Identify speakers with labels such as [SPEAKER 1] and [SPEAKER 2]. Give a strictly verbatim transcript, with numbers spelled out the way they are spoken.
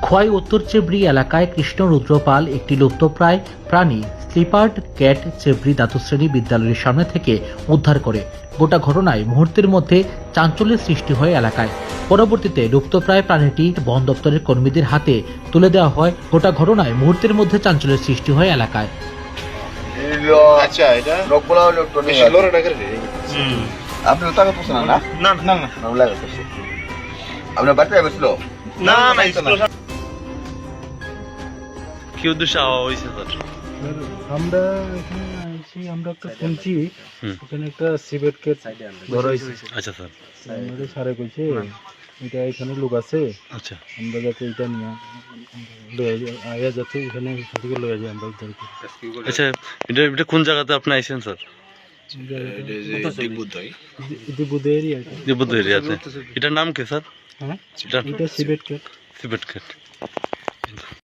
[SPEAKER 1] খোয়াই উত্তর চেবড়ি এলাকায় কৃষ্ণ রুদ্রপাল একটি লুপ্তপ্রায় প্রাণী স্লিপার্ড ক্যাট চেবড়ি দ্বাদশ শ্রেণী বিদ্যালয়ের সামনে থেকে উদ্ধার করে। গোটা ঘটনায় মুহূর্তের মধ্যে চাঞ্চল্যের সৃষ্টি হয় এলাকায়। পরবর্তীতে লুপ্তপ্রায় প্রাণীটি বন দপ্তরের কর্মীদের হাতে তুলে দেওয়া হয়। গোটা ঘটনায় মুহূর্তের মধ্যে চাঞ্চল্যের সৃষ্টি হয় এলাকায়।
[SPEAKER 2] আচ্ছা, এটা
[SPEAKER 3] লোকগুলো ইলেকট্রনিক
[SPEAKER 2] লোরে না করে রে।
[SPEAKER 3] আপনি টাকা পয়সা না না
[SPEAKER 2] না না না
[SPEAKER 3] আমরা লাগা করছি আপনার বাড়িতে গেছিল
[SPEAKER 2] না না স্কুল
[SPEAKER 4] কি উদ্দেশ্যে আওয়া হয়েছে স্যার?
[SPEAKER 5] আমরা এখানে আইছি, আমরা একটা শুনছি এখানে একটা সিভেট কেট ধরা হয়েছে।
[SPEAKER 4] আচ্ছা স্যার,
[SPEAKER 5] আমাদের স্যারে কইছে এটা এখানে লোক আছে,
[SPEAKER 4] আচ্ছা
[SPEAKER 5] আমরা যাতে এটা নিয়ে লয়ে যাই, আয়া যাতে এখানে এখান থেকে লয়ে যাই আমরা উদ্ধার করি।
[SPEAKER 4] আচ্ছা, এটা এটা কোন জায়গাতে আপনি আইছেন স্যার?
[SPEAKER 5] এটা বুধে এরিয়া।
[SPEAKER 4] দিবুদ্ধ এরিয়াতে। এটার নাম কি স্যার?
[SPEAKER 5] হ্যাঁ,
[SPEAKER 4] এটা
[SPEAKER 5] এটা সিভেট কেট।
[SPEAKER 4] Seabed gate.